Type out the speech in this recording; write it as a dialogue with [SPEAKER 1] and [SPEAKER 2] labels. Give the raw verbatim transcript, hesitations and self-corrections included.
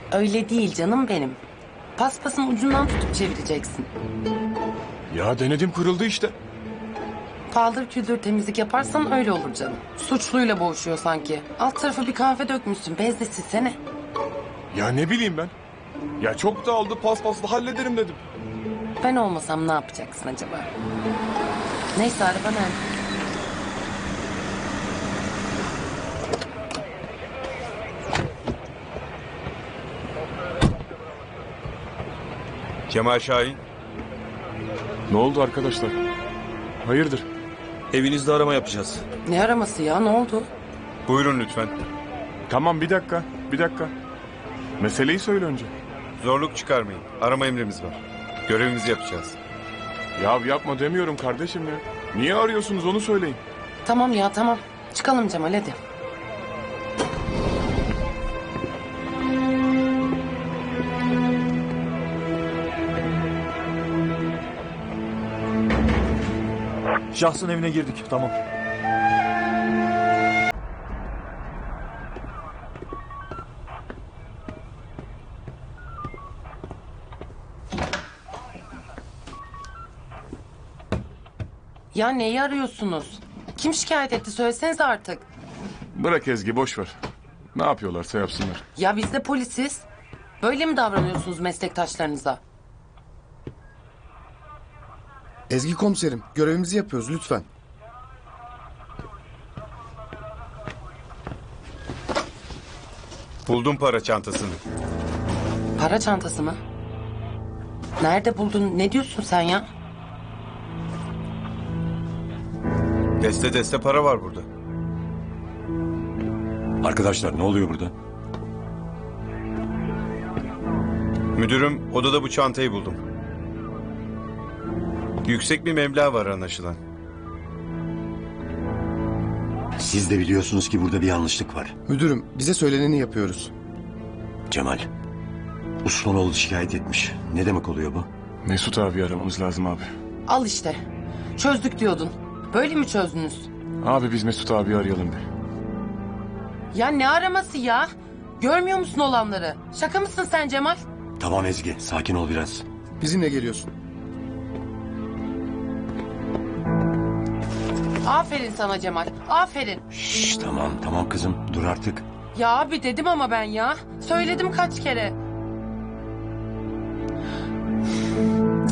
[SPEAKER 1] Öyle değil canım benim. Paspasın ucundan tutup çevireceksin.
[SPEAKER 2] Ya denedim, kırıldı işte.
[SPEAKER 1] Paldır küldür temizlik yaparsan öyle olur canım. Suçluyla boğuşuyor sanki. Alt tarafı bir kahve dökmüşsün. Bez de silsene.
[SPEAKER 2] Ya ne bileyim ben. Ya çok dağıldı, paspasla hallederim dedim.
[SPEAKER 1] Ben olmasam ne yapacaksın acaba? Neyse, araba nerede?
[SPEAKER 3] Cemal Şahin,
[SPEAKER 2] Ne oldu arkadaşlar? Hayırdır?
[SPEAKER 3] evinizde arama yapacağız.
[SPEAKER 1] Ne araması ya, ne oldu?
[SPEAKER 3] Buyurun lütfen.
[SPEAKER 2] Tamam, bir dakika, bir dakika. Meseleyi söyle önce.
[SPEAKER 3] Zorluk çıkarmayın. Arama emrimiz var. Görevimizi yapacağız.
[SPEAKER 2] Ya yapma demiyorum kardeşim ya. Niye arıyorsunuz onu söyleyin.
[SPEAKER 1] Tamam ya, tamam. Çıkalım Cemal, hadi.
[SPEAKER 4] Şahsın evine girdik. Tamam.
[SPEAKER 1] Ya neyi arıyorsunuz? Kim şikayet etti, söylesenize artık.
[SPEAKER 2] Bırak Ezgi, boş ver. Ne yapıyorlarsa yapsınlar.
[SPEAKER 1] Ya biz de polisiz. Böyle mi davranıyorsunuz meslektaşlarınıza?
[SPEAKER 5] Ezgi komiserim, görevimizi yapıyoruz lütfen.
[SPEAKER 3] Buldum para çantasını.
[SPEAKER 1] Para çantası mı? Nerede buldun? Ne diyorsun sen ya?
[SPEAKER 3] Deste deste para var burada.
[SPEAKER 4] Arkadaşlar ne oluyor burada?
[SPEAKER 3] Müdürüm, odada bu çantayı buldum. Yüksek bir meblağ var anlaşılan.
[SPEAKER 6] Siz de biliyorsunuz ki burada bir yanlışlık var.
[SPEAKER 5] Müdürüm, bize söyleneni yapıyoruz.
[SPEAKER 6] Cemal, Usmanoğlu şikayet etmiş. Ne demek oluyor bu?
[SPEAKER 2] Mesut abi aramamız lazım abi.
[SPEAKER 1] Al işte. Çözdük diyordun. Böyle mi çözdünüz?
[SPEAKER 2] Abi biz Mesut abi arayalım bir.
[SPEAKER 1] Ya ne araması ya? Görmüyor musun olanları? Şaka mısın sen Cemal?
[SPEAKER 6] Tamam Ezgi, sakin ol biraz.
[SPEAKER 5] Bizimle geliyorsun.
[SPEAKER 1] Aferin sana Cemal. Aferin.
[SPEAKER 6] Şşş tamam, tamam kızım. Dur artık.
[SPEAKER 1] Ya abi dedim ama ben ya. Söyledim kaç kere.